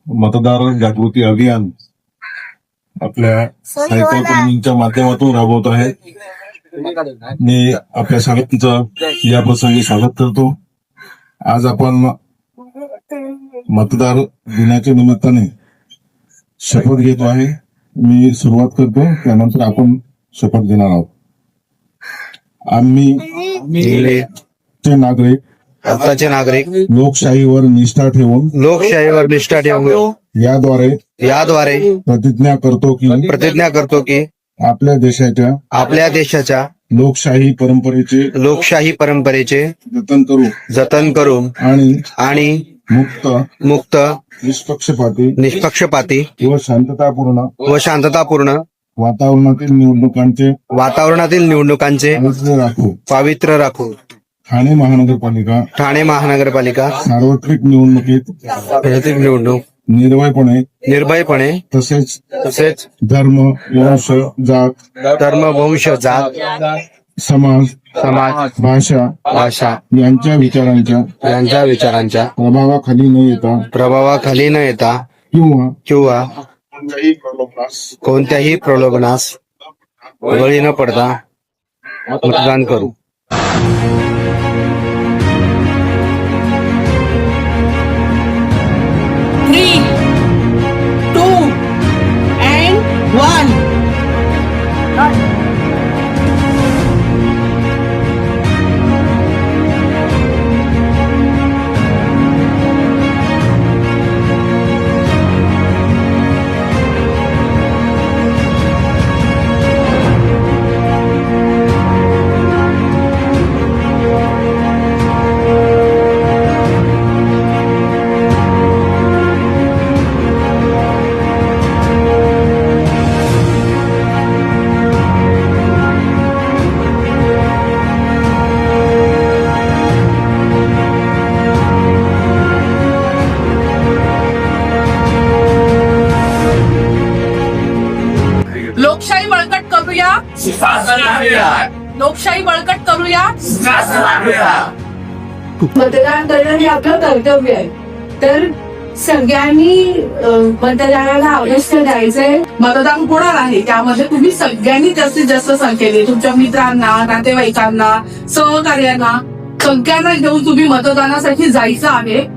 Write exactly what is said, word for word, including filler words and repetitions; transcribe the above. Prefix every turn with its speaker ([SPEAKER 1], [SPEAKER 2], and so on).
[SPEAKER 1] मतदार जागृती अभियान आपल्या साहित्यप्रेमींच्या माध्यमातून राबवत आहे. मी आपल्या सगळ्यांचं या प्रसंगी स्वागत करतो. आज आपण मतदार दिनाच्या निमित्ताने शपथ घेतो आहे. मी सुरुवात करतो, त्यानंतर आपण शपथ घेणार आहोत. आम्ही चे नागरिक
[SPEAKER 2] भारताचे नागरिक
[SPEAKER 1] लोकशाहीवर निष्ठा ठेवून
[SPEAKER 2] लोकशाहीवर निष्ठा ठेवून
[SPEAKER 1] याद्वारे
[SPEAKER 2] याद्वारे
[SPEAKER 1] प्रतिज्ञा करतो की
[SPEAKER 2] प्रतिज्ञा करतो की
[SPEAKER 1] आपल्या देशाच्या
[SPEAKER 2] आपल्या देशाच्या
[SPEAKER 1] लोकशाही परंपरेचे
[SPEAKER 2] लोकशाही परंपरेचे
[SPEAKER 1] जतन करू
[SPEAKER 2] जतन करू
[SPEAKER 1] आणि
[SPEAKER 2] आणि
[SPEAKER 1] मुक्त
[SPEAKER 2] मुक्त
[SPEAKER 1] निष्पक्षपाती
[SPEAKER 2] निष्पक्षपाती
[SPEAKER 1] व शांततापूर्ण
[SPEAKER 2] व शांततापूर्ण
[SPEAKER 1] वातावरणातील निवडणुकांचे
[SPEAKER 2] वातावरणातील निवडणुकांचे
[SPEAKER 1] पवित्र राखू.
[SPEAKER 2] पावित्र्य राखू.
[SPEAKER 1] ठाणे महानगरपालिका
[SPEAKER 2] ठाणे महानगरपालिका
[SPEAKER 1] सार्वत्रिक निवडणुकीत
[SPEAKER 2] सार्वत्रिक निवडणूक
[SPEAKER 1] निर्भयपणे
[SPEAKER 2] निर्भयपणे
[SPEAKER 1] तसेच
[SPEAKER 2] तसेच
[SPEAKER 1] धर्म, वंश, जात,
[SPEAKER 2] धर्म, वंश, जात,
[SPEAKER 1] समाज,
[SPEAKER 2] समाज,
[SPEAKER 1] भाषा
[SPEAKER 2] भाषा
[SPEAKER 1] यांच्या विचारांच्या
[SPEAKER 2] यांच्या विचारांच्या
[SPEAKER 1] प्रभावाखाली न येता
[SPEAKER 2] प्रभावाखाली न येता
[SPEAKER 1] किंवा
[SPEAKER 2] किंवा
[SPEAKER 1] कोणत्याही प्रलोभनास
[SPEAKER 2] कोणत्याही प्रलोभनास बळी न पडता मतदान करू.
[SPEAKER 3] Three, two, and one. लोकशाही बळकट करूया. लोकशाही बळकट करूया.
[SPEAKER 4] मतदान करणं हे आपलं कर्तव्य आहे. तर सगळ्यांनी अं, मतदानाला अवश्य द्यायचंय.
[SPEAKER 3] मतदान होणार आहे, त्यामध्ये तुम्ही सगळ्यांनी जास्तीत जास्त संख्येने तुमच्या मित्रांना, नातेवाईकांना, सहकार्यांना सगळ्यांना घेऊन तुम्ही मतदानासाठी जायचं आहे.